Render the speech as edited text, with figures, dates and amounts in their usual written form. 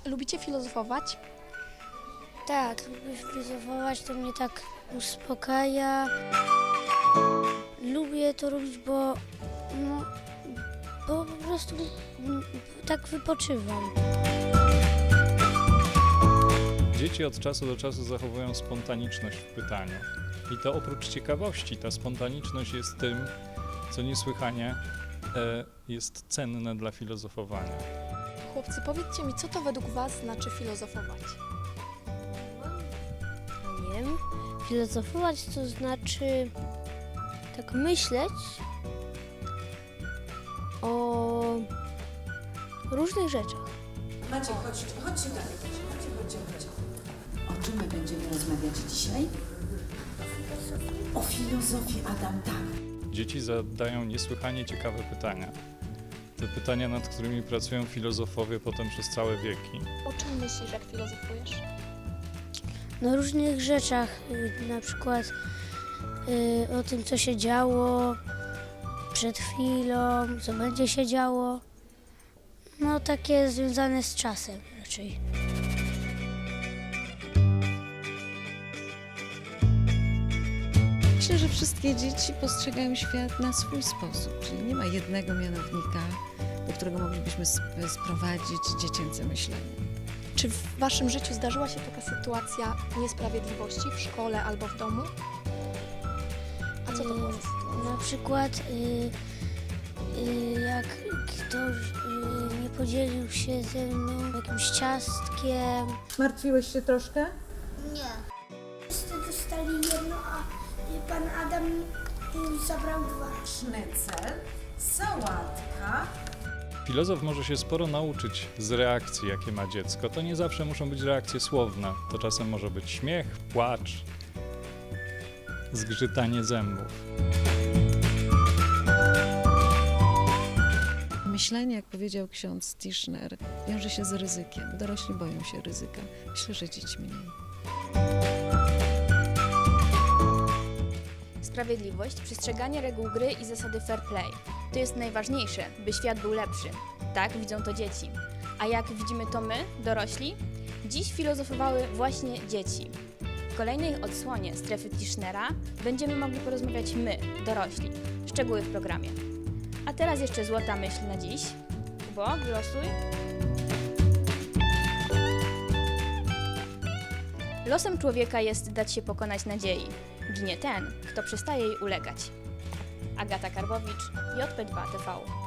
Lubicie filozofować? Tak, lubię filozofować, to mnie tak uspokaja. Lubię to robić, bo po prostu tak wypoczywam. Dzieci od czasu do czasu zachowują spontaniczność w pytaniu. I to oprócz ciekawości, ta spontaniczność jest tym, co niesłychanie jest cenne dla filozofowania. Chłopcy, powiedzcie mi, co to według was znaczy filozofować? Nie wiem, filozofować to znaczy tak myśleć o różnych rzeczach. Maciek, chodźcie dalej. Chodźcie. O czym my będziemy rozmawiać dzisiaj? O filozofii, Adam, tak. Dzieci zadają niesłychanie ciekawe pytania. Te pytania, nad którymi pracują filozofowie potem przez całe wieki. O czym myślisz, jak filozofujesz? Na różnych rzeczach, na przykład o tym, co się działo przed chwilą, co będzie się działo. No takie związane z czasem raczej. Myślę, że wszystkie dzieci postrzegają świat na swój sposób, czyli nie ma jednego mianownika, do którego moglibyśmy sprowadzić dziecięce myślenie. Czy w waszym życiu zdarzyła się taka sytuacja niesprawiedliwości w szkole albo w domu? A co to było? Na przykład jak ktoś nie podzielił się ze mną jakimś ciastkiem. Martwiłeś się troszkę? Nie. Wszyscy dostali jedno, a pan Adam zabrał dwa. Sznycel, sałatka. Filozof może się sporo nauczyć z reakcji, jakie ma dziecko. To nie zawsze muszą być reakcje słowne. To czasem może być śmiech, płacz, zgrzytanie zębów. Myślenie, jak powiedział ksiądz Tischner, wiąże się z ryzykiem. Dorośli boją się ryzyka. Myślę, że dzieci mniej. Sprawiedliwość, przestrzeganie reguł gry i zasady fair play. To jest najważniejsze, by świat był lepszy. Tak widzą to dzieci. A jak widzimy to my, dorośli? Dziś filozofowały właśnie dzieci. W kolejnej odsłonie strefy Tischnera będziemy mogli porozmawiać my, dorośli. Szczegóły w programie. A teraz jeszcze złota myśl na dziś. Kubo, wylosuj. Losem człowieka jest dać się pokonać nadziei. Ginie ten, kto przestaje jej ulegać. Agata Karbowicz, JP2 TV.